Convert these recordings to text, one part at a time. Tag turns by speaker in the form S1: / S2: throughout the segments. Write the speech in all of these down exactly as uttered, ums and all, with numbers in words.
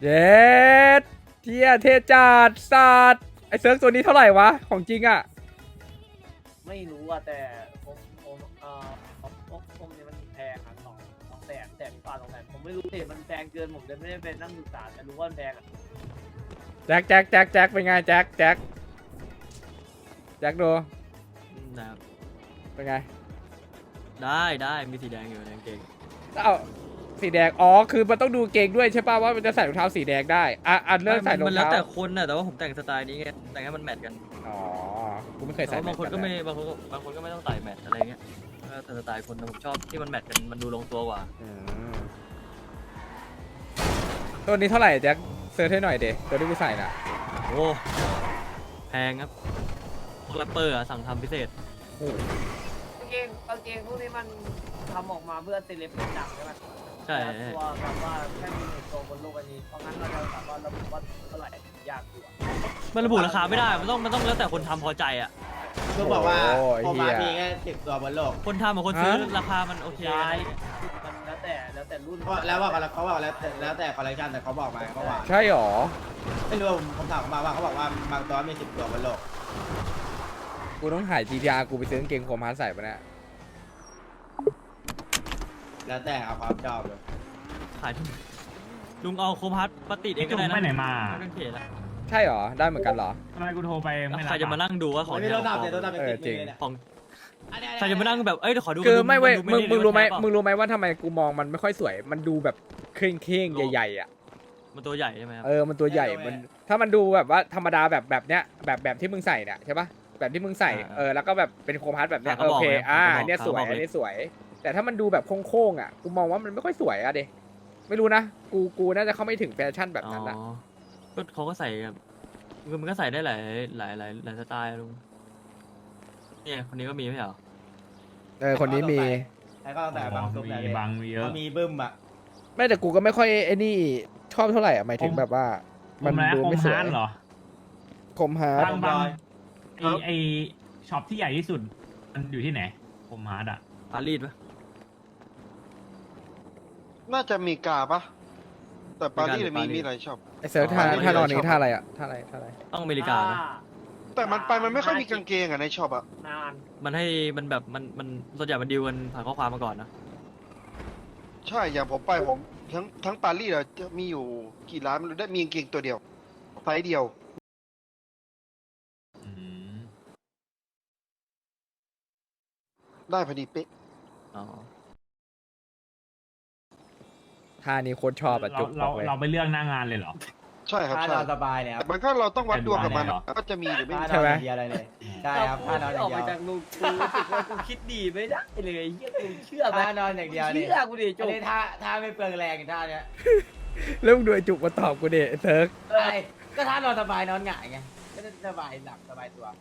S1: เย็ดเทียเทจัดสัตว์ไอเซิร์ฟตัวนี้เท่าไหร่วะของจริงอ่ะ
S2: ไม่รู้อะแต่ผมผมเอ่อผมผมเนี่ยมันแพงอะสองสองแสนแสนกว่าสองแสนผมไม่รู้เลยมันแพงเกินผมเลยไม่ได้เป็นนั่งศึกษาแต่รู้ว่ามันแพงอะ
S1: แจ็คแจ็คแจ็คแจ็คเป็นไงแจ็คแจ็คแจ็คดู
S3: นะครับ
S1: เป็นไง
S3: ได้ได้มีสีแดงอยู่ในกางเกง
S1: เอ้าสีแดงอ๋อคือมันต้องดูเกงด้วยใช่ป่ะว่ามันจะใส่รองเท้าสีแดงได้อ่ะอ่ะเลิกใส่รอง
S3: มันแล้ว
S1: เท้า
S3: แต่คนน่ะแต่ว่าผมแต่งสไตล์นี้ไงแต่งให้มันแมทกัน
S1: อ๋อกูไม่เคย
S3: แต่
S1: ใส่
S3: ว่าบางคนก็
S1: แม
S3: ไม่
S1: ท
S3: บางคนก็บางคนก็ไม่ต้องใส่แมทอะไรเงี้ยก็แต่สไตล์คนแต่ผมชอบที่มันแมทกันมันดูลงตัวกว่า
S1: อืมตัวนี้เท่าไหร่แจ็คเซิร์ชให้หน่อยเดตัวที่กูใส่น่ะ
S3: โอ้แพงครับพวกแรปเปอร์อะสั่งทำพิเศษ
S1: โอ้โห
S2: กางเกงกางเกงพวกนี้มันทำออกมาเพื่อเซเลบเป็นดังใช่ไหม
S3: ใช่
S2: แต่ตัวแบบว่าแค่มีหนึ่งตัวบนโลกอันนี้เพราะงั้นเราจะสามารถระบุว่าเท่าไหร่ยากกว่า
S3: มันระบุราคาไม่ได้มันต้องมันต้องแล้วแต่คนทำพอใจอ่ะ
S4: คือบอกว่า
S1: โอ้ย
S4: โอมา
S1: เหี้
S4: มี
S1: ย
S4: แค่สิบตัวบนโลก
S3: คนทำกับคนซื้อราคามันโอเค
S2: ใช่มันแล้วแต่แล้วแต่รุ่น
S4: เพราะแล้วว่าเขาบอกแล้วแต่แล้วแต่คอลเลคชันแต่เขาบอกมาเขาว่า
S1: ใช่หรอ
S4: ไม่รู้ผมผมถามเขามาว่าเขาบอกว่าบางตัวมีสิบตัวบนโลก
S1: กูต้องถ่าย จี ที อาร์ กูไปซื้อกางเกงโคมฮาร์ดใส่ปะเนี่ย
S4: แล้วแต่เอาความชอบเลย
S3: ขายที่ลุงเอาโคมฮัทปฏิดเองก็
S5: จุก
S3: ได้นะ
S5: ไปไหนมา
S3: ไม่ต้องเขียนละ
S1: ใช่หรอได้เหมือนกันเหรอ
S5: ทำไมกูโทรไปไม่รับ
S3: ใครจะมานั่งดูว่าของ
S4: ไม่
S3: แท้
S4: มีรถดับ
S3: ข
S4: เนี่
S3: อย ง
S4: รถดับเป็น
S1: เออ
S4: ติด
S1: จริง
S4: มือเลยนะ
S3: ของใครจะมานั่งแบบเอ้ยเดี๋ยวขอดู
S1: คือไม่เว้ย
S3: น
S1: มึ
S3: ดู
S1: งมึงรู้ไหม
S3: ด้
S1: มึงรู้ไหมว่าทำไมกูมองมันไม่ค่อยสวย มันดูแบบเคร่งเคร่งๆใหญ่ๆอ่ะ
S3: มันตัวใหญ่ใช่ไหมครับ
S1: เออ มันตัวใหญ่ มันถ้ามันดูแบบว่าธรรมดาแบบแบบเนี้ยแบบแบบที่มึงใส่เนี่ยใช่ปะแบบที่มึงใส่ เออ แล้วก็แบบเป็นโคมฮาร์ดแบบเนี้ยโอเค อ่าอันเนี้ยสวย อันเนี้ยสวย แต่ถ้ามันดูแบบโค้งๆอ่ะ กูมองว่ามันไม่ค่อยสวยอ่ะเดไม่รู้นะ กู กูน่าจะเข้าไม่ถึงแฟชั่นแบบนั้นอ่ะ
S3: อ๋อก็เขาก็ใส่แบบคือมันก็ใส่ได้หลายหลายหลายหลายสไตล์อะลุงเนี่ยคนนี้ก็มีไม่ใช่เหรอ
S1: เออ คนนี้มี
S4: แล้วก็แต่บางซุป
S5: มี
S4: แต่เลย
S5: บางมีเยอะ
S4: เขามีบึ้มอ่ะ
S1: ไม่แต่กูก็ไม่ค่อยไอ้นี่ชอบเท่าไหร่อ่ะหมายถึงแบบว่า
S5: มั
S1: มัน น
S5: ดู
S1: ดู
S5: ไม่
S1: ไม่
S5: ส
S1: ส
S5: ว
S1: วย
S5: ยเหรอ
S1: คมฮาร์ด
S5: บางบาง
S4: ร้อย
S5: ไอไอช็อปที่ใหญ่ที่สุด มันอยู่ที่ไหนผมฮาร์ดอ่ะ
S3: ปารีสปะ
S6: น่าจะมีกาปะแต่ปารีส
S3: มี
S6: มี
S3: กาหรือปารีส
S6: มีหลายช็อป
S1: ไอเซิร์ฟท่า
S6: อ๋อ
S1: ท่านอนนี้
S6: ชอบ
S1: ท่าอะไรอ่ะท่าอะไรท่าอะไร
S3: ต้องอเมริกานะ
S6: แต่มันไปมันไม่ค่อยมีกางเกงอะในช็อปอะ
S2: นาน
S3: มันให้มันแบบมันมันส่วนใหญ่มันดีลกันผ่านข้อความมาก่อนนะ
S6: ใช่อย่างผมไปผมทั้งทั้งปารีสอะจะมีอยู่กี่ร้านไม่รู้ได้มีกางเกงตัวเดียวไซส์เดียว
S5: อืม
S6: ได้พอดีเป๊ะ
S3: อ๋อ
S1: ท่านี้โคตรชอบอ่ะ
S5: เรา
S1: จุกบ
S5: เรา
S1: อกเลย
S5: เราไปเลือกหน้างานเลยเหรอ
S6: ใช่ครับ
S4: ถ้า
S6: ใช่
S4: นอนสบายเนี่ยค
S6: แต่
S4: รับ
S6: มันก็เราต้องวัดดวงกับมัน
S5: แอนวาเนี่ยเหรอ
S6: ว่าจะมีหรือไม่
S4: ถ้า
S6: มี
S4: นอนอย่างเดียวอะไรเลยใช่ครับถ้านอนอ
S2: ออย่าง ก
S4: เดี
S2: มา
S4: ยว
S2: จากลุงกูรู้สึกว่ากูคิดดีไม่ได้เลยเฮียกูเชื่อไหม
S4: ถ้านอนอย่างเดียวนี่
S2: เชื่อกูดิ
S4: อั
S2: จุ
S4: น
S2: ก
S4: นี้ถ้าถ้าไม่เปลืองแรงท่าเนี้ย
S1: เริ่มงดูไอ้จุกมาตอบกูเดเซิร์ฟ
S4: ใช่ก็ถ้านอนสบายนอนหงายไงก็จะสบายหลับสบายตัว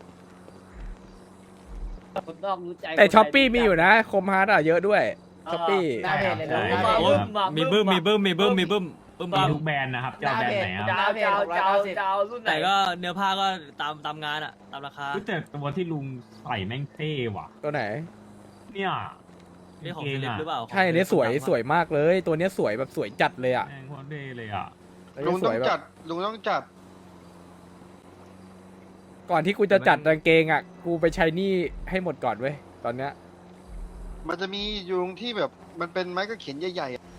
S2: คนต้องรู้ใจ
S1: แต่ช้อปปี้มีอยู่นะคมฮาร์ดอ่ะเยอะด้วยช้อปปี้
S4: หน้าเพจเลยนะ
S5: ใช่
S4: หน้า
S3: โอ้
S4: เพ
S3: ย
S4: จ
S3: มีบึ้มมีบึ้มมีบึ้มมีบึ้มบึ้ม
S5: มี
S3: บ้าง
S5: ทุกแบรนด์นะครับ เจ้าแบรนด์ไหน
S2: เจ้า
S5: อ่ะ
S2: เจ้าเจ้าเจ้ารุ่นไหน
S3: แต่ก็เนื้อผ้าก็ตามตามงานอะตามราคา
S5: คือแต่ตัวที่ลุงใส่แม่งเท่ว่ะ
S1: ตัวไหน
S5: เนี่ย
S3: นี่ของเซเลบหรือเปล่า
S1: ใช่อันนี้สวยสวยมากเลย ตัวเนี้ยสวยแบบสวยจัดเลยอ่ะ
S5: แม่งโคตรเท่เลยอ่ะ
S1: อัน
S6: ลุ
S1: นี้
S6: ง
S1: ส
S6: ต้อ
S1: วย
S6: ง
S1: แบ
S6: จั
S1: บ
S6: ดลุงต้องจัด
S1: ก่อนที่กูจะจัดกางเกงอ่ะ กูไปใช้หนี่ให้หมดก่อนเว้ยตอนเนี้ย
S6: มันจะมียุงที่แบบมันเป็นไม้กระเขียนใหญ่ๆอะ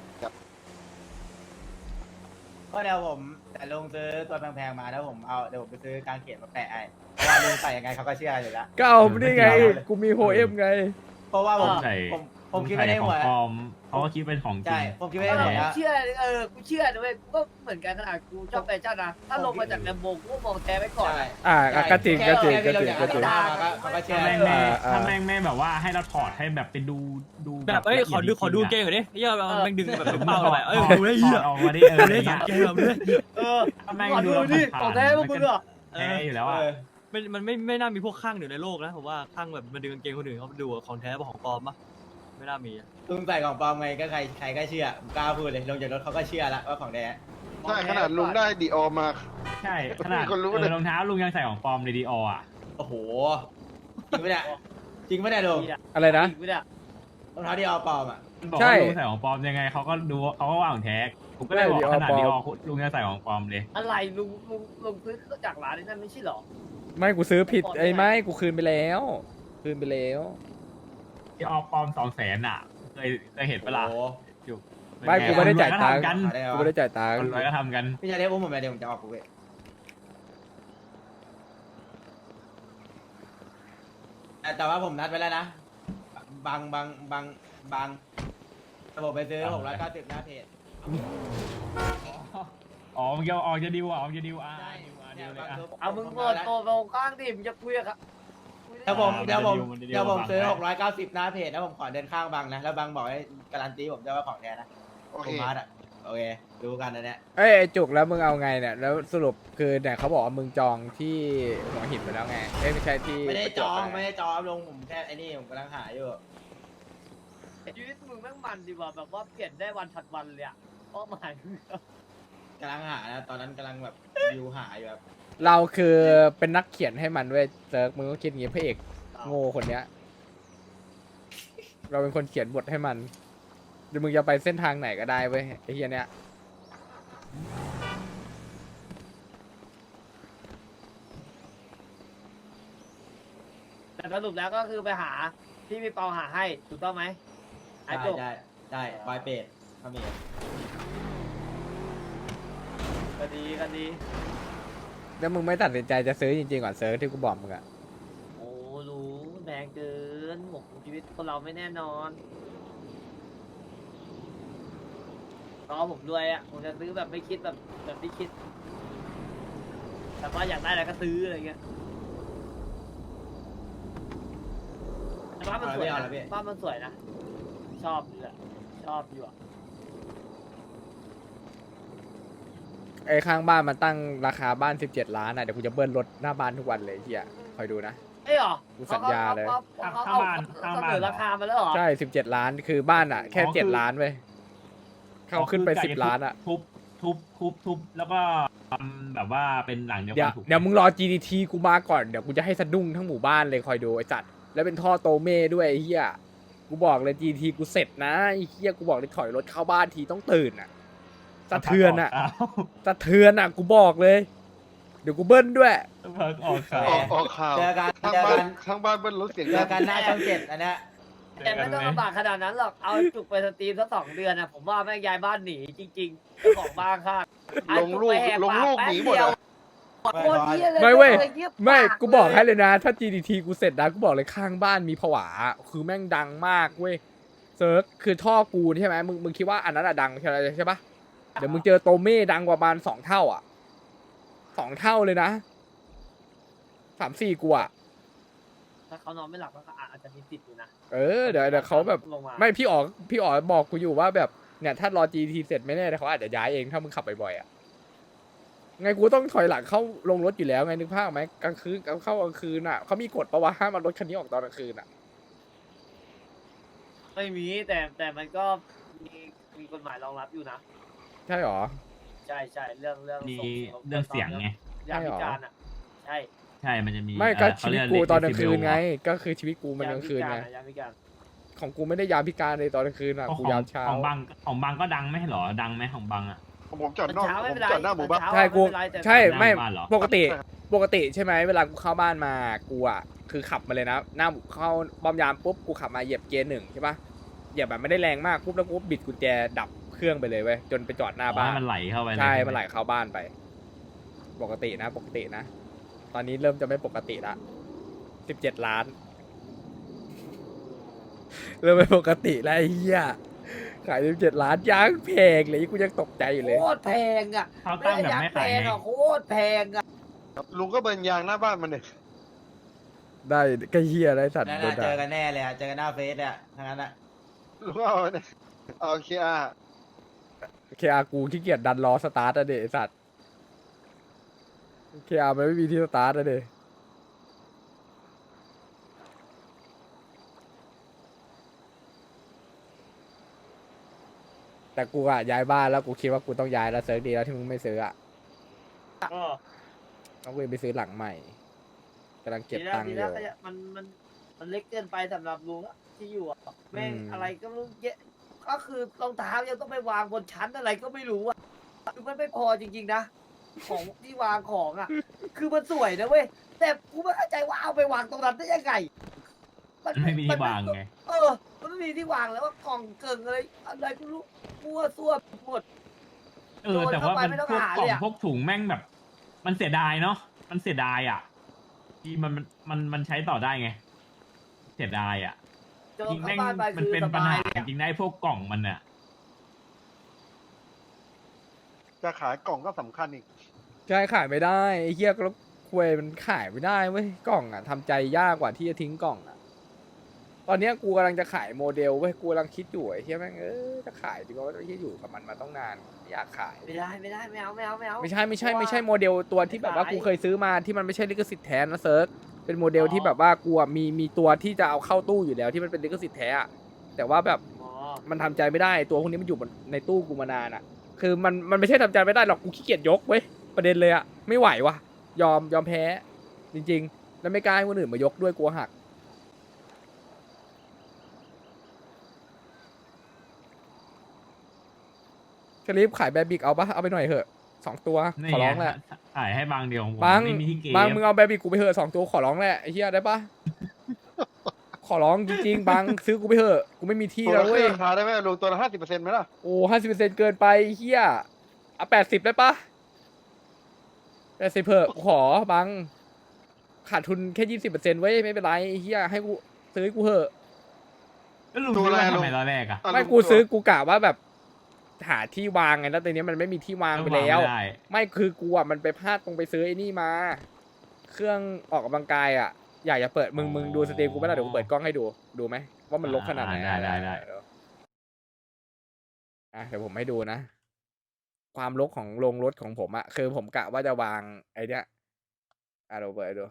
S4: ก็เดี๋ยวผมแต่ลงซื้อตัวแพงๆมาแล้วผมเอาเดี๋ยวผมไปซื้อกางเขนมาแปะไอ้เพราะว่าลุงใส่ยังไงเขาก็เชื่ออยู่แล้ว
S1: ก็เอานี่ไง กูมีโฮเอ็มไง
S4: เพราะว่าผม
S5: ใส่
S4: ผมผมคิดไม่ได้หัว
S5: ใส่ของปลอมเขาก็คิดเป็นของจริ
S4: ใช่
S5: ง
S4: ผมคิดไม่
S2: เอ
S4: ได้
S2: อ
S4: หัวแล้ว
S2: เชื่อเออกูเชื่อด้วยกูก็เหมือนกันขนาดกูชอบแฟชั่นนะถ้าลงมาจากแลมโบกูก็มองแท้ไว้ก่อน
S4: ใช่
S1: อ่าอ่ะก็จริงก็จริงก็จริงก็จริง
S4: เขาก็เชื่อ
S5: ถ้าแม่งไม่
S1: อ่าอ่า
S5: ถ้าแม่งไม่แบบว่าให้เราถอดให้แบบไปดูดู
S3: แบบเอ้ยขอดูขอดูเกงก่อนดิเหี้ยเอาแม่งดึงแบบเป็นเป้าเลยเอ้ยดูได้
S5: ถ
S3: เหี้
S5: อย ดออกมาดิเออ
S3: ดู
S5: อะไร
S3: ได้
S5: เงี้ย
S3: เกงแบบด้วย
S2: เออ
S5: ถ้าแม่ง
S2: ขอ
S5: ดู
S2: ดู
S5: เรา
S2: ดิ
S5: ผ่าน
S2: ของแท้พวกมึงเหรอ
S5: แท้อยู่แล้วอ่ะ
S3: มันมันไม่ไม่น่ามีพวกข้างอยู่ในโลกนะผมว่าข้างแบบมันดึงกางเกงคนอื่นเขาดูของแท้ของปลอมปะไม่น่ามีอะ
S4: ลุงใส่ของปลอมไงก็ใครใครก็เชื่อผมกล้าพูดเลยลงจากรถเขาก็เชื่อแล้วว่าของแท้
S6: ใช่ขนาดลุงได้ดีออมา
S5: ใช่ขนาด
S6: มีคนรู้
S5: เอ
S6: เลย
S5: อรองเท้าลุงยังใส่ของปลอมในดีออ่ะ
S4: โอ้โหจริงปะเนี่ยจริงปะเนี่ยลุง
S1: อะไรนะ
S2: ไม่ได้
S4: รองเท้าที่เอาปลอมอ่ะ
S5: มันบอก
S1: ใช่
S5: ว่าลุงใส่ของปลอมยังไงเขาก็ดูเขาก็ว่าของแท้ผมก็เลยบอก
S1: ไม่
S5: ขนาด
S1: ดี
S5: นี้
S1: อ
S5: อ
S1: อ
S5: อ
S1: ปลอม
S5: ลุงจะใส่ของปลอมเลย
S2: อะไรลุงลุงลุงซื้อจากร้านนี้นั่นไม่ใช่เหรอ
S1: ไม่กูซื้อผิด
S2: ก่อน
S1: ไอ้
S2: ได้ไง
S1: ไม่กูคืนไปแล้ว คืนไปแล้ว
S5: ที่ออปลอมสองแสนอ่ะเคยเคยเห็นปะล่ะ
S4: โอ้โห
S5: อยู่
S1: ไม่กูไม่ได้จ่ายตังค์
S5: คนรวก็ทำกัน
S4: ได้
S1: กู
S4: วะ
S1: ไม่ได้จ่ายตังค์
S5: คนรวยก็ทำกัน
S4: พี่ชายเรียกอุ้มผมเลยเดี๋ยวผมจะออกกูเว้ยแต่แต่ว่าผมนัดไว้แล้วนะบางบางบางบางระบบไปซื้อหกร้อยเก้าสิบหน้าเพจ
S5: อ๋อมึงจะออกจะดิวอ่ะออกจะดิวอ่ะ
S4: ใช่
S5: ดิวอ่ะดิ
S4: เนี่ยว
S5: เลย
S4: บาง
S5: อ่ะ
S4: ซื้อ
S2: เอามึง
S4: ผ
S2: เปิด
S4: แล้ว
S2: โตตรงข้างดิมึงจะคุยกับคุยได้
S4: เดี๋ยวผม
S5: อ่า
S4: เดี๋ยวผม
S5: มันจะดิว
S4: เดี๋ยวผม
S5: มันจะดิว
S4: ซื้อ
S5: บัง
S4: หกร้อยเก้าสิบหน้าเพจแล้วผมขอเดินข้างบังนะแล้วบังบอกให้การันตีผมด้วยว่าของแท้นะ
S6: โอ
S4: ผ
S6: เค
S4: มมาร์ทอ่ะโอเคดูกันนะเนี่ย
S1: เอ้ยไอ้จุกแล้วมึงเอาไงเนี่ยแล้วสรุปคือเนี่ยเขาบอกว่ามึงจองที่หัวหินไปแล้วไงเอ้ยไม่ใช่ที่
S4: ไม่ได้
S1: ประ
S4: จ
S1: วบ
S4: อง
S1: ป
S4: ไม่ได้จองลงผมแค่ไอ้นี่ผมกำลังหาอยู่
S2: ชีวิตมึงแม่งมันดีกว่าแบบว่าเปลี่ยนได้วันถัดวันเลยอะเป้าหมายมึง
S4: กำลังหานะตอนนั้นกำลังแบบวิวหาอยู่แบบ
S1: เราคือเป็นนักเขียนให้มันเว้ยเซิร์กมึงก็คิดอย่างงี้พระเอกโง่คนเนี้ย เราเป็นคนเขียนบทให้มันหรือมึงจะไปเส้นทางไหนก็ได้เว้ยไอ้เฮียเนี้ย
S2: แต่สรุปแล้วก็คือไปหาที่พี่เปาหาให้ถูกต้องไหมไอ้
S4: ได้
S2: จบ
S4: ได้ได้บายเป็ดทำเอง
S2: ก็ดีก็ดี
S1: แล้วมึงไม่ตัดสินใจจะซื้อจริงๆก่อนเซิร์กที่กูบอกมึงอะ
S2: โอ้รู้แพงเกินหมกชีวิตคนเราไม่แน่นอนรอผมด้วยอ่ะผมจะซื้อแบบไม่คิดแบบแบบที่คิดแต่ว่าอยากได้อะไรก็ซื้ออะไรเงี้ยแต่บ้านมันสวยนะบ้านมันสวยนะชอบอยู่อะชอบอยู่อะ
S1: ไอ้ข้างบ้านมันตั้งราคาบ้านสิบเจ็ดล้านอะเดี๋ยวกูจะเบิ้ลรถหน้าบ้านทุกวันเลยไอ้เฮียคอยดูนะ
S2: เอ้ยเหรอ
S1: กูสัญญาเลย
S2: เขาเขาเขาเขาเขาเสนอราคามาแล้วเหรอ
S1: ใช่สิบเจ็ดล้านคือบ้านอะแค่
S5: อ๋อคือ
S1: เจ็ดล้านเว้ยเขาขึ้นไป
S5: อ๋อ
S1: สิบ
S5: คื
S1: ล้านอะ
S5: ทุบทุบทุบทุบแล้วก็ทำแบบว่าเป็นหลังเดียว
S1: เดี๋ย
S5: กั
S1: วน
S5: ถูก
S1: เดี๋ยวมึงรอ จี ดี ที กูมาก่อนเดี๋ยวกูจะให้สะดุ้งทั้งหมู่บ้านเลยคอยดูไอ้จัดแล้วเป็นท่อโตเม่ด้วยไอ้เหี้ยกูบอกเลย จี ดี ที กูเสร็จนะไอ้เหี้ยกูบอกเลยถอยรถเข้าบ้านทีต้องตื่นอะสะเทือนอะ
S5: อ้าว
S1: สะเทือนอะกูบอกเลย เดี๋ยวกูเบิ้ลด้วย
S5: เพิ่งออกข่าว
S6: ออกออกข่าว
S4: เจอกัน
S6: ข้าง
S4: เจอ
S6: บ้า
S4: กัน น
S6: ข้างบ้านเบิ้ลรถเสียง
S4: เจ
S6: ดั
S4: อง กันหน้าช่องเจ็ดอันเนี้ย
S2: แต่ไม่ต้องลำบากขนาดนั้นหรอกเอาจุกไปสตรีมสักสองเดือนนะผมว่าแม่งย้ายบ้านหนีจริงๆเจ้าของบ้านค่ะ
S6: ลงลูกลงลูกหนีหมดอะ
S2: โคตรเหี้ยเลย
S1: ไม่เว้ย
S2: งีบ
S1: ไม่
S2: ปา
S1: กูบอก
S2: ลย
S1: ให้เลยนะ ถ้า จี ดี ที กูเสร็จนะกูบอกเลยข้างบ้านมีผวา คือแม่งดังมากเว้ยเซิร์ฟคือท่อกูใช่ไหมมึงมึงคิดว่าอันนั้นอะดังใช่ไหมใช่ปะเดี๋ยวมึงเจอโตเม่ดังกว่าประมาณสองเท่าอ่ะสองเท่าเลยนะสามสี่กูอ่ะ
S2: ถ้าเขานอนไม่หลับก็อาจจะมีติดอยู่นะ
S1: เออเดี๋ยวเดี๋ยวเขาแบบ
S2: ลงมา
S1: ไม่พี่อ๋อพี่อ๋อบอกกูอยู่ว่าแบบเนี่ยถ้ารอ จี ดี ที เสร็จไม่แน่แต่เขาอาจจะย้ายเองถ้ามึงขับบ่อยๆอ่ะไงกูต้องถอยหลังเข้าลงรถอยู่แล้วไงนึกภาพไหมกลางคืนเข้ากลางคืนอ่ะเขามีกฎประวัติห้ามเอารถคันนี้ออกตอนกลางคืนอ่ะ
S2: ไม่มีแต่แต่มันก็มีมีกฎหมายรองรับอยู่นะ
S1: ใช่หรอ
S2: ใช่ใช่เรื่องเรื่อง
S5: มี
S2: ส่ง
S5: เรื่องเสียงไง
S2: ยามพิการอ่ะใช่
S5: ใช่มันจะมี
S1: ไม่ก็
S5: เอ่อ
S1: ชีวิต
S5: เขาเรีย
S1: กูตอนกลาง
S5: decibel
S1: คืนไง
S5: เหรอ
S1: ก็คือชีวิตกูมันกลางคืนไง
S2: ยามพิการ
S1: ของกูไม่ได้ยามพิการเลยตอนกลางคืนอ่ะ
S5: เพราะ
S1: กู
S5: ของ
S1: ยามเช้า
S5: ของบางของบางก็ดังไม่ใช่เหรอดังไหมของบางอ่ะ
S6: ผมจอด
S2: ตอน
S6: นอก
S2: เช้า
S6: ผ
S2: ไม่
S6: ม
S2: เป็นไร
S6: จอดหน้าหมู่บ้าน
S2: ตอนเช้
S1: ใช่กู
S2: ไม่เป็นไรแต่
S1: ใช่ไม่
S5: หน้าบ้านเหรอ
S1: ปกติปกติใช่ไหมเวลากูเข้าบ้านมากูอ่ะคือขับมาเลยนะหน้าเข้าป้อมยามปุ๊บกูขับมาเหยียบเกียร์หนึ่งใช่ปะเหยียบแบบไม่ได้แรงมากปุ๊บแล้วกูบิดกุญแจดับเครื่องไปเลยเว้ยจนไปจอดหน้า
S5: อ๋อ
S1: บ้าน
S5: ให้มันไหลเข้าไปเลย
S1: ใช่
S5: ช่
S1: มันไหลเข้าบ้านไป ปกตินะ ปกตินะ ตอนนี้เริ่มจะไม่ปกติละสิบเจ็ดล้าน เริ่มไม่ปกติแล้วไอ้เหี้ยขายสิบเจ็ดล้านยังแพงเลยกูยังตกใจอยู่เลย
S2: โคตรแพงอ่ะ
S5: เขาตั้งแบบไม่
S2: แพ
S5: ขาย
S2: ง
S5: ไง
S2: อ่ะโคตรแพงอ่ะ
S6: ลุงก็เบิร์นยางหน้าบ้านมันเนี่ย
S1: ได้ก็เหี้ยได้สัตว์
S4: นั่น
S1: โด
S4: น่ะ
S1: น
S4: เจ
S1: ด่า
S4: อกันแน่เลยอะเจอกันหน้าเฟซอะทั้งนั้นอะ
S6: ลุงเอาเนี่ยโอเคอ่ะ
S1: เคอากูขี้เกียจดันล้อสตาร์ทอะเดไอ้สัตว์เคอามันไม่มีที่สตาร์ทอะเดแต่กูอะย้ายบ้านแล้วกูคิดว่ากูต้องย้ายแล้วเซิร์ฟดีแล้วที่มึงไม่ซื้ออะ
S2: ก็
S1: ต้องกูไปซื้อหลังใหม่กำลังเก็บ
S2: ดีแล้ว
S1: ตังค์
S2: ดี
S1: อ
S2: แล้ว
S1: ยู่
S2: ก็อย่ามันมันมันเล็กเกินไปสำหรับลุงอะที่อยู่อะแม่ง
S1: อืม
S2: อะไรก็ไม่รู้เยอะก็คือรองเท้ายังต้องไปวางบนชั้นอะไรก็ไม่รู้อ่ะคือมันไม่พอจริงๆนะของที่วางของอ่ะ คือมันสวยนะเว้ยแต่กูไม่เข้าใจว่าเอาไปวางตรงนั้นได้ยังไง
S5: มันไม่มีที่วางไง
S2: เออ มันไม่มีที่วางแล้วว่ากล่องเกิงอะไรอะไรกูรู้มั่วซั่วหมด
S5: เออ แต่ว่ามัน
S2: โดนเข้าไปไม่ต้อง
S5: พวก
S2: หาก
S5: ล่อง
S2: เลยอะ
S5: พวกถุงแม่งแบบ มันเสียดายเนาะมันเสียดายอ่ะที่มันมันมันมันใช้ต่อได้ไง เสียดายอ่ะ
S2: เจอ
S5: จริง
S2: เข้า
S5: แม่ง
S2: บ้านไป
S5: มัน
S2: คือ
S5: เป็น
S2: ส
S5: ปัญ
S2: บา
S5: หาย
S2: เลย
S5: จ
S2: อะ
S5: ริงๆได้พวกกล่องมันอ่ะ
S6: จะขายกล่องก็สำคัญอีก
S1: ใช่ขายไม่ได้ไอ้เหี้ยก็ควยมันขายไม่ได้เว้ยกล่องอ่ะทำใจยากกว่าที่จะทิ้งกล่องอ่ะตอนเนี้ยกูกำลังจะขายโมเดลเว้ยกูกำลังคิดอยู่ไอ้เหี้ยแม่งเออจะขายดีกว่าไอ้เหี้ยอยู่กับมันมาต้องนานไม่อยากขาย
S2: ไม่ได้ไม่ได้ไม่เอาไม่เอาไม่เอา
S1: ไม่ใช่ไม่ใช่ไม่ใช่โมเดลตัวที่แบบว่ากูเคยซื้อมาที่มันไม่ใช่ลิขสิทธิ์แท้นะเซิร์ฟเป็นโมเดลที่แบบว่ากูอะมีมีตัวที่จะเอาเข้าตู้อยู่แล้วที่มันเป็นลิขสิทธิ์แท้อะแต่ว่าแบบ
S2: อ๋อ
S1: มันทำใจไม่ได้ตัวพวกนี้มันอยู่บนในตู้กูมานานอ่ะ คือมันมันไม่ใช่ทำใจไม่ได้หรอกกูขี้เกียจยกเว้ยประเด็นเลยอ่ะไม่ไหววะยอมยอมแพ้ จริงๆ แล้วไม่กล้าให้คนอื่นมายกด้วยกลัวหักชลิปขายแบบบิกเอาปะเอาไปหน่อยเถอะสองตัว
S5: นี่
S1: ขอ
S5: ไง
S1: ร้องแหละ
S5: ขายให้บางเดียวของผม
S1: บาง
S5: ไม่มีที่เก็บบ
S1: างมึงเอาแบบบิกกูไปเถอะสองตัวขอร้องแหละไอ้เหี้ยได้ปะ ขอร้องจริงๆบางซื้อกูไปเถอะกูไม่มีที่
S6: ตัว
S1: แล้ว
S6: ละ
S1: เว้ย
S6: ราคาได้ไหมลงตัวละห้าสิบเปอร์เซ็นต์ไหมล่ะ
S1: โอ้ห้าสิบเปอร์เซ็นต์เกินไปไอ้เฮียเอาแปดสิบได้ปะแปดสิบเถอะกูขอบัง ขาดทุนแค่ยี่สิบเปอร์เซ็นต์ไว้ยไม่เป็นไรไอ้เฮียให้กูซื้อให้กูเถอะ
S5: แล้วลุง
S6: ตัว
S5: ซื้อ
S6: อะไร
S5: มา
S6: ลุ
S5: ทำ
S6: ง
S5: ไมตอนแรกอ่ะ
S6: อ่ะ
S1: ไม่
S6: ลุง
S1: กู
S6: ตัว
S1: ซื้อกูกะว่าแบบหาที่วางไงแล้วตอนนี้มันไม่มีที่วางไปแล้ว
S5: ไม่ได้
S1: ไม่คือกูอ่ะมันไปพลาดตรงไปซื้อไอ้นี่มา เครื่องออกกำลังกายอ่ะ อยากจะเปิดมึงมึงดูสตรีมกูไม่ได้เดี๋ยวกูเปิดกล้องให้ดูดูไหมว่ามันลกขนาดไหน
S5: ได้ได้ได้
S1: เยวอ่ะเดี๋ยวผมให้ดูนะ ความลกของโรงรถของผมอะคือผมกะว่าจะวางไอ้เนี้ยอ่ะเราเปิดให้ดู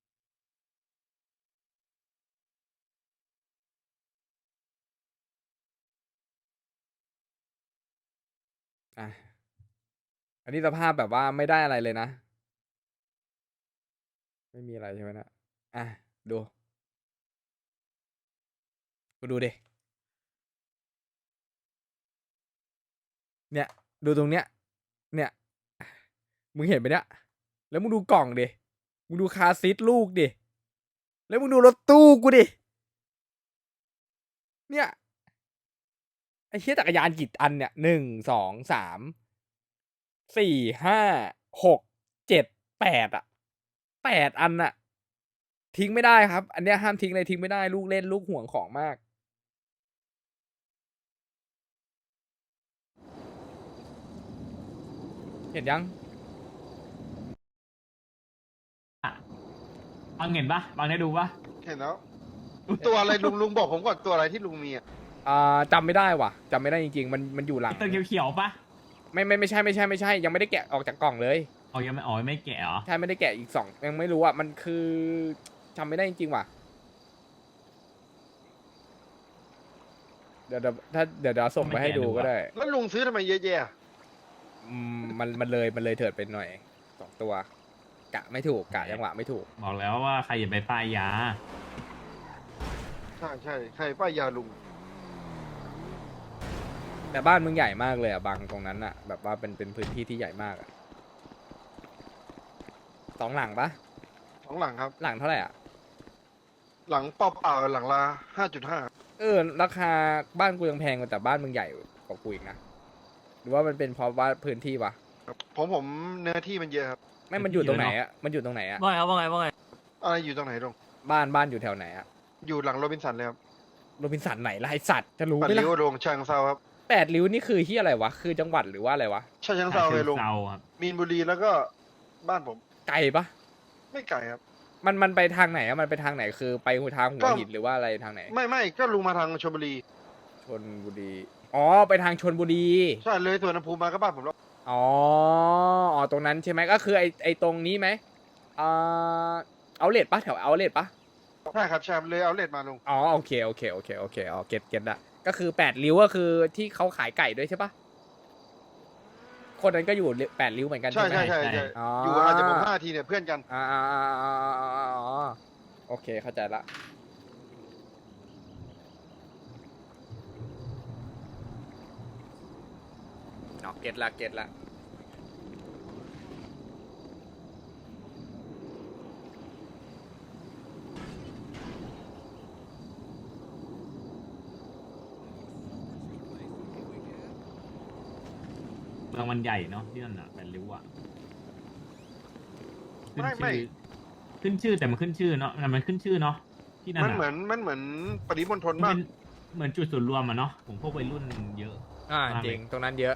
S1: อ่ะอันนี้สภาพแบบว่าไม่ได้อะไรเลยนะ ไม่มีอะไรใช่ไหมนะอ่ะดูกูดูดิเนี่ย ดูตรงเนี้ย เนี่ย มึงเห็นไหมเนี่ย แล้วมึงดูกล่องดิ มึงดูคาร์ซีทลูกดิ แล้วมึงดูรถตู้กูดิ เนี่ย ไอ้เชี่ยจักรยานกี่อันเนี่ยหนึ่งสองสามสี่ห้าหกเจ็ดแปดอะแปดอันอะทิ้งไม่ได้ครับ อันเนี้ยห้ามทิ้งเลยทิ้งไม่ได้ลูกเล่นลูกห่วงของมาก เห็นยัง
S5: บางเห็นปะบางได้ดูปะ
S6: เห็นแล้ว ตัวอะไรลุงลุงบอกผมก่อนตัวอะไรที่ลุงมีอ่ะ
S1: อ่าจำไม่ได้ว่ะจำไม่ได้จริงๆ มันมันอยู่หลัง
S5: ตัวเขียวๆปะ
S1: ไม่ไม่ไม่ใช่ไม่ใช่ไม่ใช่ ยังไม่ได้แกะออกจากกล่องเลย
S5: อ๋อยังไม่อ๋อไม่แกะเหรอ
S1: ใช่ไม่ได้แกะอีกสองยังไม่รู้อ่ะมันคือจำไม่ได้จริงๆว่ะ เดี๋ยวเดี๋ยวถ้าเดี๋ยวเดี๋ยวส่งไปให้ดูก็ได้
S6: แล้วลุงซื้อทำไมเยอะแยะ
S1: อืมมันมันเลยมันเลยเถิดไปหน่อยสองตัว กะไม่ถูกกะจังหวะไม่ถูก
S5: บอกแล้วว่าใครอย่าไปป้ายยา
S6: ใช่ใช่ใครป้ายยาลุง
S1: แต่บ้านมึงใหญ่มากเลยอ่ะบางตรงนั้นอ่ะ แบบว่าเป็นเป็นพื้นที่ที่ใหญ่มากอ่ะสองหลังปะ
S6: สองหลังครับ
S1: หลังเท่าไหร่อ่ะ
S6: หลังเปล่าๆหลังละห้าจุดห้า
S1: เออราคาบ้านกูยังแพงกว่าแต่บ้านมึงใหญ่กว่ากูอีกนะหรือว่ามันเป็นเพราะว่าพื้นที่วะ
S6: ผมผมเนื้อที่มันเยอะครับ
S1: ไม่มันอยู่ตรงไหนอ่ะมันอยู่ตรงไหนอ่ะ
S3: ว่าไงครับว่าไงว่าไง
S6: อะไรอยู่ตรงไหนลุง
S1: บ้านบ้านอยู่แถวไหนอ่ะ
S6: อยู่หลังโรบินสันเลยครับ
S1: โรบินสันไหนล่ะไอสัตว์จะรู้
S6: ปัด
S1: ไหม
S6: ริ้ว
S1: ล่ะ
S6: ลงเชิงเซาครับ
S1: แปดริ้วนี่คือที่อะไรวะคือจังหวัดหรือว่าอะไรวะ
S6: ชาเชิงเซาเลยลุง
S5: เซาครับ
S6: มีนบุรีแล้วก็บ้านผม
S1: ไกลปะ
S6: ไม่ไกลครับ
S1: มันมันไปทางไหนอ่ะมันไปทางไหนคือไปทางหั
S6: ก็
S1: วหินหรือว่าอะไรทางไหน
S6: ไม่ไม่ก็ลุงมาทางชลบุรี
S1: ชนบุรีอ๋อไปทางชนบุรี
S6: ใช่เลยสวนภูมิมาก็บ้านผมแล้ว
S1: อ๋ออ๋อตรงนั้นใช่ไหมก็คือไอไอตรงนี้ไหมอ่าเอาเลทปะแถวเอาเลทปะ
S6: ใช่ครับใช่เลยเอาเลดมาลุง
S1: อ๋อโอเคโอเคโอเคโอเคอ๋อเก็ตเก็ตละก็คือแปดริ้วก็คือที่เขาขายไก่ด้วยใช่ปะคนนั้นก็อยู่แปดริ้วเหมือนกัน
S6: ใช่
S1: ใช่ไหม
S6: ใช่ใช่ใช่
S1: อ๋อ
S6: อ
S1: อยู่
S6: อาจจะผมห้าทีเนี่ยเพื่อนกัน
S1: อ่าอ่าอ่าอ่าอ่าอ่าโอเคเข้าใจละเนาะเก็ตละเก็ตละ
S5: เมืองมันใหญ่เนาะที่นั่นอ่ะแปดริ้วอ่ะขึ้น
S6: ไม่ไม่
S5: ชื่อขึ้นชื่อแต่มันขึ้นชื่อเนาะแต่มันขึ้นชื่อเนาะที่นั่น
S6: มัน
S5: อ่ะ
S6: เหมือนมันเหมือนปริมณฑล
S5: มัน
S6: มาก
S5: เป็นเหมือนจุดศูนย์รวมอ่ะเนาะผมพวกวัยรุ่นเยอะ
S1: อ่า
S5: มาก
S1: จ
S5: เลย
S1: ริงตรงนั้นเยอะ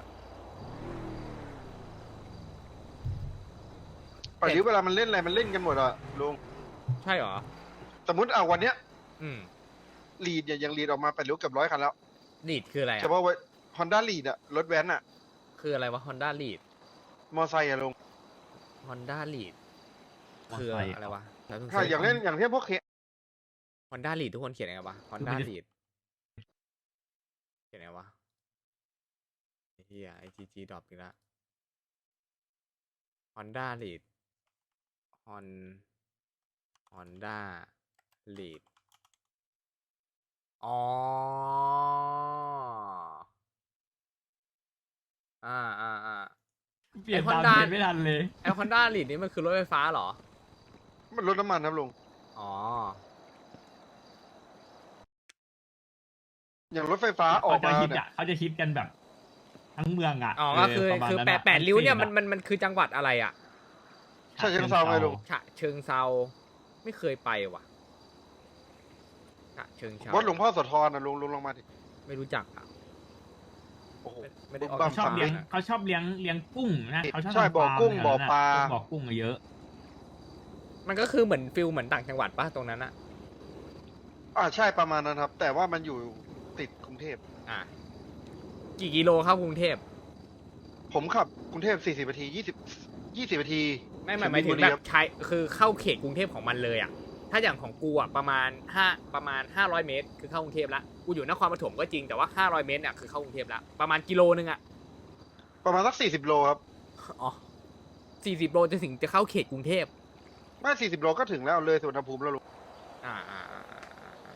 S6: ปริเวลามันเล่นอะไรมันเล่นกันหมดอะลุง
S1: ใช่เหรอ
S6: สมมติเอาวันเนี้ย
S1: อืม
S6: ลีดเนี่ยยังลีดออกมาแปดริ้วเกือบร้อยคันแล้ว
S1: ลีดคืออะไร
S6: เฉ
S1: อ่ะ
S6: พาะว่าฮอนด้าลีดอะรถแว้นอะ
S1: คืออะไรวะ Honda Lead
S6: มอไซค์อะลุง
S1: Honda Lead
S5: มอ
S1: คือ
S5: ไซค์
S1: อะไรวะแล้วมึง
S6: ใช่อย่างเล่นอย่างเช่นพวกเค
S1: Honda Lead ทุกคนเขียนยังไงวะ Honda
S5: คือมันจะ
S1: Lead เขียนยังไงวะไอ้เฮียไอจีจีดรอปอีกแล้ว Honda Lead Hon Honda Lead อ๋ออ่าอ่าอ่า
S5: เปลี่ยน
S1: ไอ้
S5: ตาม
S1: Honda
S5: เทรนด์ไม่ทันเลย
S1: ไอ Honda Lead นี่มันคือรถไฟฟ้าเหรอ
S6: มันรถน้ำมันครับลุง
S1: อ๋อ
S6: อย่างรถไฟฟ้าออ
S5: เขา
S6: ก
S5: จะ
S6: มา
S5: ฮิต
S6: เนี่ย
S5: อ่ะเขาจะฮิตกันแบบ ทั้งเมืองอ่ะ
S1: อ๋อ ก็คือ
S5: เประมาณ
S1: คือ
S5: นั้น
S1: แปด
S5: อะ
S1: แปดริ้วเนี่ย
S5: ทั้
S1: มัน
S5: ง
S1: มันมันคือจังหวัดอะไรอ่ะ
S6: ใช่เชิงเซาไงลุง
S1: ฉะเชิงเซาไม่เคยไปว่ะฉะเชิงเซา
S6: วัดหลวงพ่อโสธรนะลุงลุงลงมาดิ
S1: ไม่รู้จักอ่ะ
S6: โอ้โห
S1: ไม่ไม่ได้ออก
S6: บ้า
S5: เขาชอบเลี้ยง
S1: สำนักะ
S5: เขาชอบเลี้ยงเลี้ยงกุ้งนะเขาชอบ
S6: ใช่
S5: ทำ
S6: บ่อ
S5: ฟาร์ม
S6: กุ้ง
S5: แถว
S6: บ่อ
S5: นั้น
S6: ปลา
S5: พวกบ่อกุ้งอะเยอะ
S1: มันก็คือเหมือนฟิลเหมือนต่างจังหวัดปะตรงนั้นอะ
S6: อ่าใช่ประมาณนั้นครับ แต่ว่ามันอยู่ติดกรุงเทพ
S1: อ่ะกี่กิโลเข้ากรุงเทพ
S6: ผมขับกรุงเทพสี่สิบนาทียี่สิบยี่สิบนาที
S1: ไม่หมายหมายถึงแบบใช้คือเข้าเขตกรุงเทพของมันเลยอ่ะ ถ้าอย่างของกูอ่ะประมาณห้าประมาณห้าร้อยเมตร คือเข้ากรุงเทพละกูอยู่นครปฐมก็จริงแต่ว่าห้าร้อยเมตรเนี่ยคือเข้ากรุงเทพละประมาณกิโลนึงอ่ะ
S6: ประมาณสักสี่สิบโลครับ
S1: อ๋อสี่สิบโลจะถึงจะเข้าเขตกรุงเทพ
S6: ไม่สี่สิบโลก็ถึงแล้วเลยสุวรรณภูมิแล้วลุง
S1: อ่าอ่าอ่าอ่าอ่า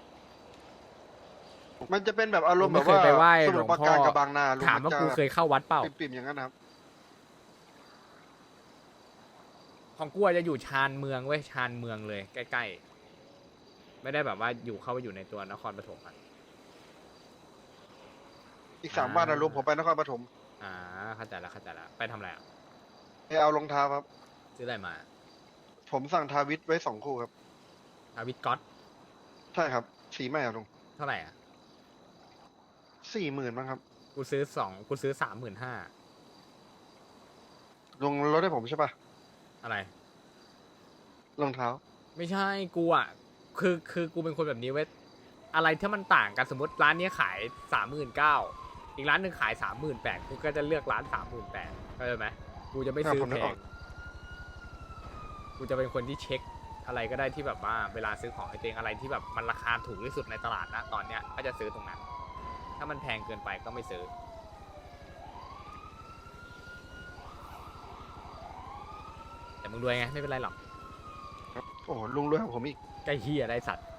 S6: มันจะเป็นแบบอารมณ์
S1: ผม
S6: แบ
S1: ไม่
S6: บ
S1: เคย
S6: ว่า
S1: ไปไหว้
S6: ส
S1: หล
S6: มุ
S1: ว
S6: ท
S1: ง
S6: รปรา
S1: พ่อ
S6: การกับบางนาลุง
S1: ถามว่ากูเคยเข้าวัดเปล่า
S6: ปิ่มๆอย่างนั้นนะครับ
S1: ของกูอาจจะอยู่ชานเมืองเว้ยชานเมืองเลยใกล้ๆไม่ได้แบบว่าอยู่เข้าไปอยู่ในตัวนครปฐมอ่ะ
S6: อีกสามวันนะลุงผมไปนครปฐม
S1: อ่าเข้าใจแล้วเข้าใจแล้วไปทำอะไรอ่ะ
S6: ไปเอารองเท้าครับ
S1: ซื้ออะไรมา
S6: ผมสั่งทาวิทไว้สองคู่ครับ
S1: ทาวิตก๊อต
S6: ใช่ครับสีใหม่อะลุง
S1: เท่าไหร่อ่ะ
S6: สี่หมื่นมั้งครับ
S1: กูซื้อสองกูซื้อสามหมื่นห้า
S6: ลุงลดให้ผมใช่ปะ
S1: อะไร
S6: รองเท้า
S1: ไม่ใช่กูอ่ะคือคือกูเป็นคนแบบนี้เว้ยอะไรที่มันต่างกันสมมติร้านนี้ขายสามหมื่นเก้าอีกร้านหนึ่งขายสามหมื่นแปดกูก็จะเลือกร้านสามหมื่นแปดเข้าใจไหมกูจะไม่ซื้อ
S6: อ่ะผมนึ
S1: แพ
S6: กออง ก
S1: กูจะเป็นคนที่เช็คอะไรก็ได้ที่แบบว่าเวลาซื้อของให้ตัวเองอะไรที่แบบมันราคาถูกที่สุดในตลาดนะตอนเนี้ยก็จะซื้อตรงนั้น ถ้ามันแพงเกินไปก็ไม่ซื้อ แต่มึงรวยไงไม่เป็นไรหรอก
S6: โอ้โหลุงรวยกว่าผมอีก
S1: ใกล้เฮียได้สัตว์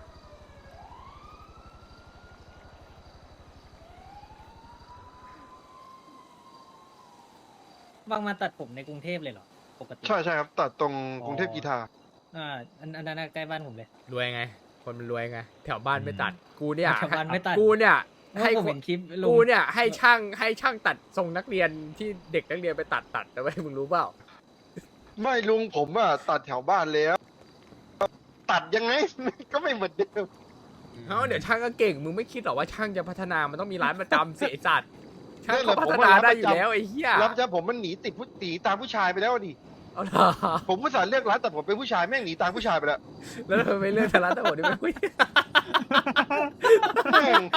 S7: วางมาตัดผมในกรุงเทพเลยเหรอ ปกติ
S6: ใช่ใช่ครับตัดตรง
S7: อ๋อ
S6: กรุงเทพกีฬา
S7: อ่าอันอันนั้นนะใกล้บ้านผมเลย
S1: รวยไง คนมันรวยไง แถวบ้านไม่ตัด กูเนี่ย
S7: แถวบ้านไม่ตัด
S1: กูเนี่ย
S7: ให้
S1: ให้
S7: ผม
S1: ค
S7: เห็
S1: น
S7: นคลิปลง
S1: กูเนี่ยให้ช่างให้ช่างตัดทรงนักเรียนที่เด็กนักเรียนไปตัดตัดแต่ว่ามึงรู้เปล่า
S6: ไม่ลุงผมอะตัดแถวบ้านแล้ว ตัดยังไง ก็ไม่เหมือนเดิม
S1: เอ้าเดี๋ยวช่างก็เก่ง มึงไม่คิดหรอว่าช่างจะพัฒนา มันต้องมีร้านประจำเสียสัตว์ ช่าง
S6: นั่นแห
S1: เขา
S6: ละ
S1: พั
S6: ผม
S1: ฒ
S6: ว่า
S1: นา
S6: รับ
S1: ได้
S6: ประ
S1: อยู่
S6: จำ
S1: แล้วไอ้เหี้ย
S6: รับจ้าผมมันหนีติดผู้หนีตามผู้ชายไปแล้วดิ
S1: เอาล่ะ
S6: ผมผู้สารเลือกร้านแต่ผมเป็นผู้ชายแม่งหนีตามผู้ชายไปแล้ว
S1: แล้วทำไมไม่เลือกทาร้านตะโหดนี่ไม่คุย
S6: แม่ง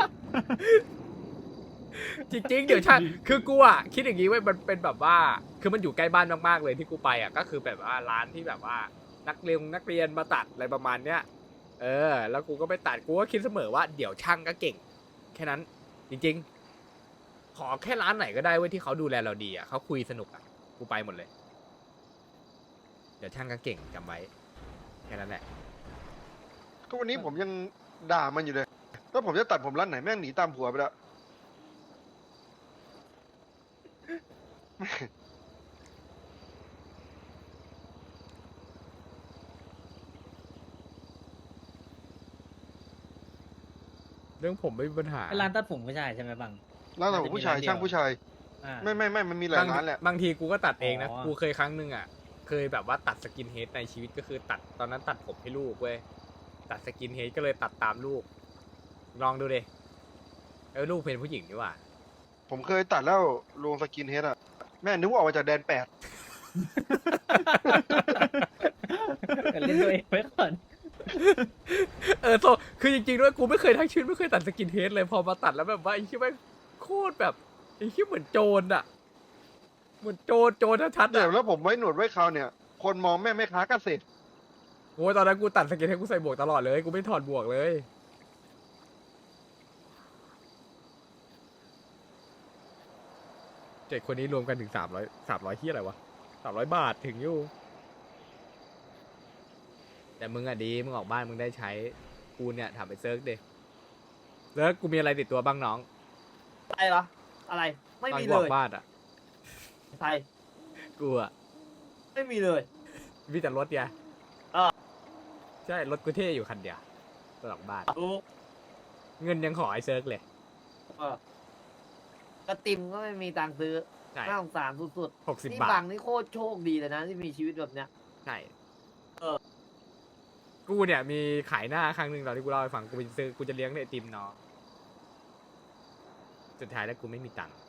S1: จริงๆ เดี๋ยวช่างคือกูอ่ะคิดอย่างนี้ไว้ยมันเป็นแบบว่า คือมันอยู่ใกล้บ้านมากๆเลยที่กูไปอ่ะก็คือแบบว่าร้านที่แบบว่านักเรียนนักเรียนมาตัดอะไรประมาณเนี้ย เออ แล้วกูก็ไปตัดกูก็คิดเสมอว่าเดี๋ยวช่างก็เก่ง แค่นั้น จริงๆ ขอแค่ร้านไหนก็ได้เว้ยที่เขาดูแลเราดีอ่ะเขาคุยสนุกอ่ะกูไปหมดเลย เดี๋ยวช่างก็เก่งจำไว้แค่นั้นแหละ
S6: ก็วันนี้ผมยังด่ามันอยู่เลยถ้าผมจะตัดผมร้านไหนแม่งหนีตามผัวไปแล้ว
S1: เรื่องผมไม่มีปัญหา
S7: เป็นร้านตัดผมผู้ชายใช่ไหมบัง
S6: ร้านของผู้ชาย
S7: น่าจะมีร้านเดียว
S6: ช่างผู้ชาย
S7: อ่า
S6: ไม่ไม่ไม่มันมีหลาย
S1: บาง
S6: ร้านแหละ
S1: บางทีกูก็ตัดเองนะ
S7: อ๋อ
S1: กูเคยครั้งหนึ่งอ่ะ เคยแบบว่าตัดสกินเฮดในชีวิตก็คือตัดตอนนั้นตัดผมให้ลูกเว้ย ตัดสกินเฮดก็เลยตัดตามลูก ลองดูดิเออลูกเป็นผู้หญิงนี่หว่า
S6: ผมเคยตัดแล้วลงสกินเฮดอะแม่นึกว่าออกมาจากแดนแปด
S7: เล่นตัวเองไว้ก่อน
S1: เออโซคือจริงๆด้วยกูไม่เคยทั้งชีวิตไม่เคยตัดสกินเฮดเลยพอมาตัดแล้วแบบว่าไอ้ที่แม่งโคตรแบบไอ้ที่เหมือนโจรอ่ะ เหมือนโจรโจรชัดๆ
S6: แต่
S1: อ่ะ
S6: แล้วผมไว้หนวดไว้คราวเนี่ย คนมองแม่แม่ค้าเกษตร
S1: โอ้ยตอนนั้นกูตัดสกินเฮดกูใส่บวกตลอดเลยกูไม่ถอดบวกเลยเจ็ดคนนี้รวมกันถึงสามร้อยสามร้อยที่อะไรวะสามร้อยบาทถึงอยู่ แต่มึงอะดีมึงออกบ้านมึงได้ใช้กูเนี่ยถามไปเซิร์ฟดิเซิร์ฟกูมีอะไรติดตัวบ้างน้อง
S2: อะไรเหรออะไรไม่
S1: ตอน
S2: มี
S1: กู
S2: เล
S1: ออย กบ้านอะ
S2: ใช่
S1: กูอะ
S2: ไม่มีเลย
S1: มีแต่รถไง
S2: เออ
S1: ใช่รถกูเท่อยู่คันเดียวตอนออกบ้าน
S2: รู้
S1: เงินยังขอไอ้เซิร์ฟเลย
S2: เออกระติมก็ไม่มีตังค์ซื้อ
S1: ใช่
S2: น่าสงสารสุด
S1: หกสิบ
S2: ๆนี่
S1: บา
S2: บั
S1: ท
S2: งนี่โคตรโชคดีเลยนะที่มีชีวิตแบบเนี้ย
S1: ใช่
S2: เออ
S1: กูเนี่ยมีขายหน้าครั้งหนึ่งตอนที่กูเล่าให้ฟังกูไปซื้อกูจะเลี้ยงไอติมน้องสุดท้ายแล้วกูไม่มีตังค์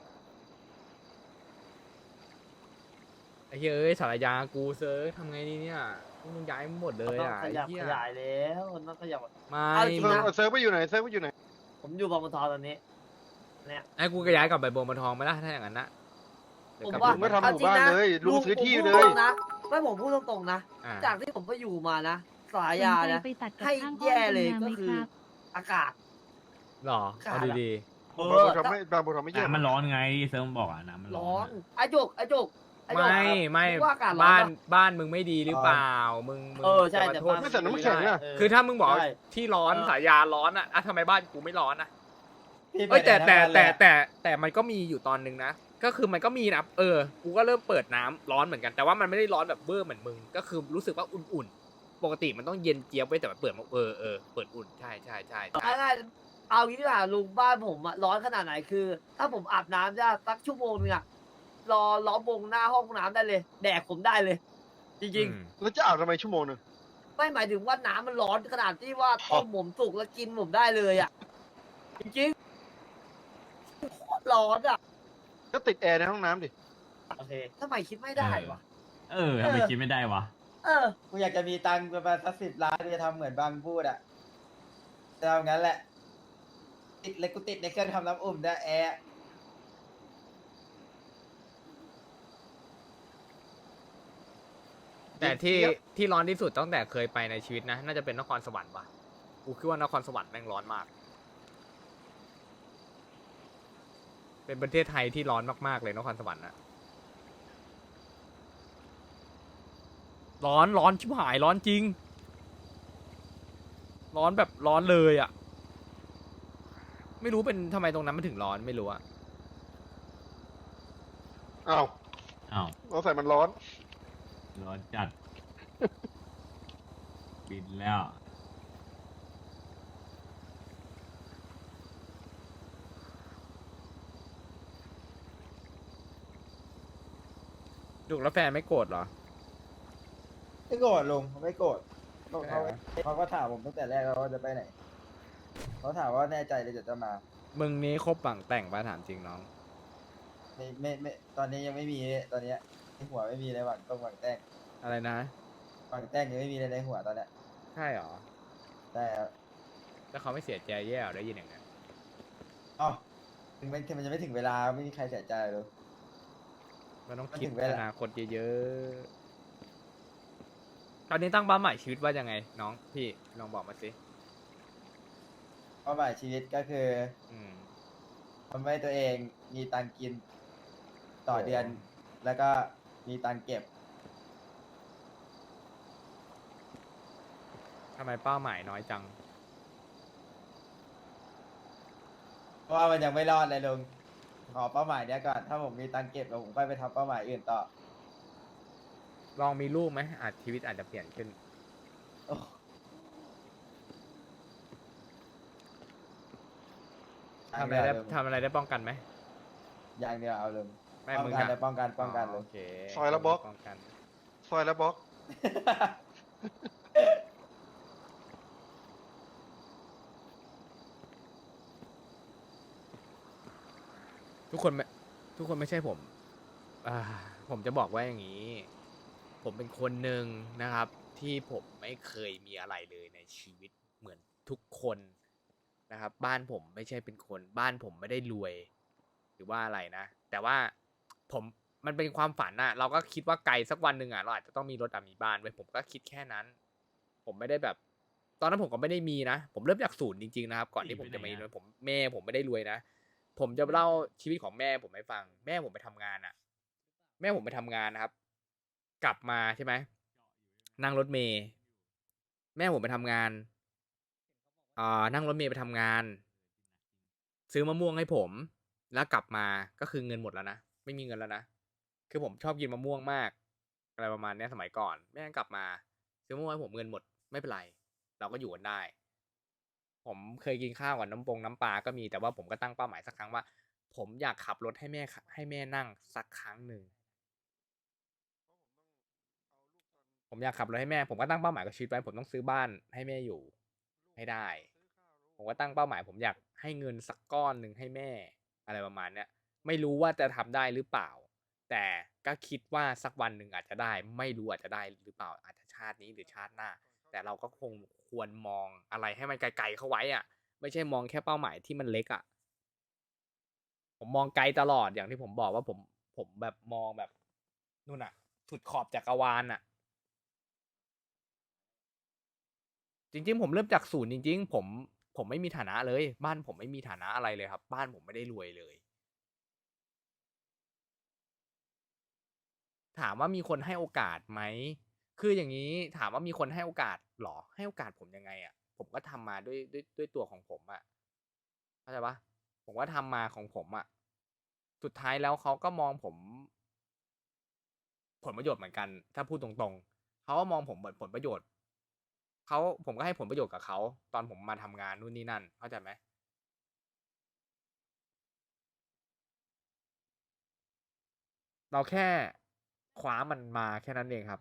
S1: ไอ้เหี้ยเอ้ยสารยากูเซิร์ฟทำไงดีเนี่ยพวกมึงย้ายหมดเลย
S2: ต้อง
S1: อ่ะ
S2: ข
S1: ไอ้
S2: ยับ
S1: เหี้
S2: ข
S1: ย
S2: ยายแล้วต้องขยับ
S1: ไม่
S2: เอาจริง
S6: เซิร์ฟ
S2: นะ
S6: เซิร์ฟไปอยู่ไหนเซิร์ฟไปอยู่ไหน
S2: ผมอยู่บางบัวทองตอนนี้ เนี่ย
S1: ไอ้กูก็ย้ายกลับไปบวงบัวทองไหมล่ะถ้าอย่างนั้นนะเดี๋ยว
S2: ผม
S1: กลับ
S2: ว่า
S6: ลุงก็ทำห
S2: เอา
S6: มู่
S2: จริง
S6: บ้าน
S2: นะ
S6: เลยลุงซื้อที่
S2: ผม
S6: เล
S2: พูด
S6: ย
S2: ตรงนะไม่ผมพูดตรงๆนะ
S1: อ่า
S2: จากที่ผมไปอยู่มานะสายยานะ
S8: ไปตัดกับ
S2: ให้
S8: ข้างห้อง
S2: แย่เลย
S8: เป็น
S2: ก็
S8: งานไหม
S2: คือ
S8: ครับ
S2: อากาศ
S1: หรอ
S2: ขา
S1: เอา
S2: ดอะ
S1: ดี
S2: เอบ
S6: าง
S2: อ
S6: บัวทำไม่บางบัวทำไม่เยอะ
S5: น้ำมันร้อนไงเซิร์ฟบอกอ่ะน้ำมันร้
S2: ร้
S5: อ
S2: อน นไอ้จุกไอ้จุก
S1: ๆ
S2: ไอ้จุก
S1: ไม่ไม่
S2: คิดว่าอากาศร้อน
S1: บ้าน
S2: ปะ
S1: บ้านมึงไม่ดีหรือเปล่ามึงมึง
S2: เออใช่
S1: จะมา
S2: แต่
S1: โทษ
S2: บ้าน
S6: ไม่ใส่น้ำแข็งอะ
S2: เ
S1: คือถ้ามึงบอก
S2: ใช่
S1: ที่ร้อน
S2: เออ
S1: สายยาร้อนอ่ะอ่ะทำไมบ้านกูไม่ร้อนอ่ะ
S4: พี่
S1: เอ้ยแต่
S4: ไปไหน
S1: แต่
S4: ทั้งวันเลยอะ
S1: แต่แต่แต่มันก็มีอยู่ตอนนึงนะ ก็คือมันก็มีนะเออ กูก็เริ่มเปิดน้ำร้อนเหมือนกัน แต่ว่ามันไม่ได้ร้อนแบบเบอร์เหมือนมึง ก็คือรู้สึกว่าอุ่นๆ ปกติมันต้องเย็นเจี๊ยบไว้แต่มันเปิดมาเออเออเปิดอุ่นใช่ใช่ใช่ใช่
S2: เอาง่ายๆเอางี้ดีกว่าลุงบ้านผมอะร้อนขนาดไหนคือ ถ้าผมอาบน้ำจะสักชั่วโมงนึงอะรอล้อมวงหน้าห้องน้ำได้เลย แดกผมได้เลย จริง
S1: อืม
S6: แล้วจะอาบทำไมชั่วโมงหนึง
S2: ๆ ไม่หมายถึงว่าน้ำมันร้อนขนาดที่ว่าต้มผมสุกแล้วกินผมได้เลยอะจริงๆโคตรร้อนอะ
S6: ก็ติดแอร์ในห้องน้ำดิ
S2: โอเคทำไมคิดไม่ได้วะ
S5: เออทำไมคิดไม่ได้วะ
S2: เออ
S4: กูอยากจะมีตังค์ประมาณสักสิบล้านกูจะทำเหมือนบางพูดอ่ะจะเอางั้นแหละ ติดเลยกูติดในเครื่องทำน้ำอุ่นได้วยแอร์
S1: แต่ที่ที่ร้อนที่สุดตั้งแต่เคยไปในชีวิตนะ น่าจะเป็นนครสวรรค์ว่ะ กูคิดว่านครสวรรค์แม่งร้อนมาก เป็นประเทศไทยที่ร้อนมากๆเลยนครสวรรค์นะร้อนร้อนชิบหายร้อนจริง ร้อนแบบร้อนเลยอ่ะ ไม่รู้เป็นทำไมตรงนั้นมันถึงร้อนไม่รู้อะ
S6: อ้าว
S5: อ้าว
S6: เราใส่มันร้อน
S5: ร้อนจัด บินแล้ว
S1: ดุแล้วแฟนไม่โกรธเหรอ
S4: ไม่โกรธลุงเขาไม่โกรธเขาเขาเขาก็ถามผมตั้งแต่แรกแล้วว่าจะไปไหนเขาถามว่าแน่ใจเลยจะจะมา
S1: มึงนี้คบปังแต่งปะถามจริงน้อง
S4: ไม่ไม่ไม่ตอนนี้ยังไม่มีตอนเนี้ยในหัวไม่มีเลยหวังต้องหวังแต่ง
S1: อะไรนะ
S4: หวังแต่งยังไม่มีเลยในหัวตอนเนี้ย
S1: ใช่เหรอ
S4: แต่
S1: แล้วเขาไม่เสียใจแย่เหรอได้ยินอย่างนั้น
S4: อ๋อถึงมันมันจะไม่ถึงเวลาไม่มีใครเสียใจเลย
S1: มันต้อง
S4: มัน
S1: คิด
S4: ถึงเว
S1: อ
S4: ลา
S1: นาคตเยอะๆ ตอนนี้ตั้งเป้าหมายชีวิตว่ายังไง น้องพี่ลองบอกมาสิ
S4: เป้าหมายชีวิตก็คือ
S1: อืม
S4: ทำให้ตัวเองมีตังค์กินต่อ
S1: โอ้
S4: เดือน แล้วก็มีตังค์เก็บ
S1: ทำไมเป้าหมายน้อยจัง
S4: เพราะว่ามันยังไม่รอดเลยลุงขอเป้าหมายเนี้ยก่อนถ้าผมมีตังค์เก็บแล้วผมค่อยไปทำเป้าหมายอื่นต่อ
S1: ลองมีลูกไหมอาจชีวิตอาจจะเปลี่ยนขึ้น
S4: โอ้
S1: ทำอะไรได้ทำอะไรได้ป้องกันไหม
S4: อย่างเดียวเอาเลย
S1: ไม่
S4: ป้อง
S1: มึง
S4: กัน
S1: อะ
S4: เลยป้องกันป้องกันเลย
S1: โอเค
S6: ซอยละบล็อก
S1: ป้องกัน
S6: ซอยแล้วบล็อก
S1: ทุกคนไม่ทุกคนไม่ใช่ผม อ่า ผมจะบอกว่าอย่างนี้ ผมเป็นคนหนึ่งนะครับ ที่ผมไม่เคยมีอะไรเลยในชีวิตเหมือนทุกคนนะครับ บ้านผมไม่ใช่เป็นคนบ้านผมไม่ได้รวย หรือว่าอะไรนะ แต่ว่าผมมันเป็นความฝันอะเราก็คิดว่าไกลสักวันหนึ่งอะเราอาจจะต้องมีรถอะมีบ้านไว้ผมก็คิดแค่นั้น ผมไม่ได้แบบ ตอนนั้นผมก็ไม่ได้มีนะ ผมเริ่มจากศูนย์จริงๆนะครับ ก่อนที่ผมจะมามีรถผมแม่ผมไม่ได้รวยนะ ผมจะเล่าชีวิตของแม่ผมให้ฟัง แม่ผมไปทำงานอะแม่ผมไปทำงานนะครับ กลับมาใช่ไหมนั่งรถเมย์แม่ผมไปทำงานอ่านั่งรถเมย์ไปทำงาน ซื้อมะม่วงให้ผม แล้วกลับมาก็คือเงินหมดแล้วนะไม่มีเงินแล้วนะคือผมชอบกินมะม่วงมากอะไรประมาณนี้สมัยก่อน แม่กลับมา ซื้อมะม่วงให้ผมเงินหมดไม่เป็นไร เราก็อยู่กันได้ ผมเคยกินข้าวกับน้ำปงน้ำปลาก็มีแต่ว่าผมก็ตั้งเป้าหมายสักครั้งว่า ผมอยากขับรถให้แม่ให้แม่นั่งสักครั้งหนึ่งผมอยากขับรถให้แม่ ผมก็ตั้งเป้าหมายกับชีวิตไว้ผมต้องซื้อบ้านให้แม่อยู่ให้ได้ ผมก็ตั้งเป้าหมาย ผมอยากให้เงินสักก้อนหนึ่งให้แม่อะไรประมาณเนี้ยไม่รู้ว่าจะทำได้หรือเปล่า แต่ก็คิดว่าสักวันหนึ่งอาจจะได้ ไม่รู้อาจจะได้หรือเปล่าอาจจะชาตินี้หรือชาติหน้า แต่เราก็คงควรมองอะไรให้มันไกลๆเข้าไว้อ่ะ ไม่ใช่มองแค่เป้าหมายที่มันเล็กอ่ะ ผมมองไกลตลอดอย่างที่ผมบอกว่าผมผมแบบมองแบบนู่นอ่ะสุดขอบจักรวาลอ่ะ จริงๆผมเริ่มจากศูนย์จริงๆผมผมไม่มีฐานะเลย บ้านผมไม่มีฐานะอะไรเลยครับ บ้านผมไม่ได้รวยเลย ถามว่ามีคนให้โอกาสไหมคืออย่างนี้ถามว่ามีคนให้โอกาสหรอให้โอกาสผมยังไงอ่ะผมก็ทำมาด้วยด้วยด้วยตัวของผมอ่ะเข้าใจปะผมก็ทำมาของผมอ่ะสุดท้ายแล้วเขาก็มองผม ผลประโยชน์เหมือนกัน ถ้าพูดตรงๆเขาก็มองผมเหมือนผลประโยชน์เขาผมก็ให้ผลประโยชน์กับเขาตอนผมมาทำงานนู่นนี่นั่นเข้าใจไหมเราแค่คว้ามันมาแค่นั้นเองครับ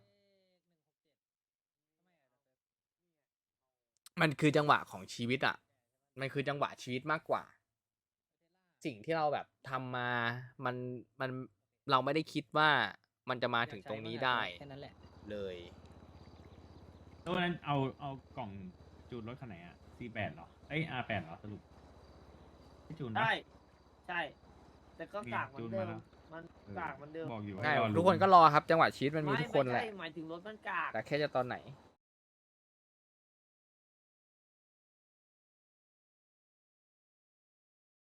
S1: มันคือจังหวะของชีวิตอ่ะ มันคือจังหวะชีวิตมากกว่า สิ่งที่เราแบบทำมา มัน มัน เราไม่ได้คิดว่ามันจะมาถึงตรงนี้ได้
S7: แค่นั้นแหละ
S1: เลย
S5: แล้ววันนั้นเอาเอากล่องจูนรถคันไหนอะ ซี แปด เหรอ เอ้ย อาร์ แปด เหรอสรุปที่จูนปะ
S2: ใช่ใช่ แต่ก็
S5: มี
S2: กากเหมือน
S5: จูน
S2: เดิ
S5: มาม แล้ว
S2: มันกากเหมือนเดิม
S5: บอกอยู่
S1: ใช่
S5: ให้รอ
S1: ทุกคนก็รอครับ จังหวะชีวิตมันมี
S2: ไม่
S1: ทุกคน
S2: ไม่
S1: แหละ
S2: ใช่หมายถึงรถมันกาก
S1: แต่แค่จะตอนไหน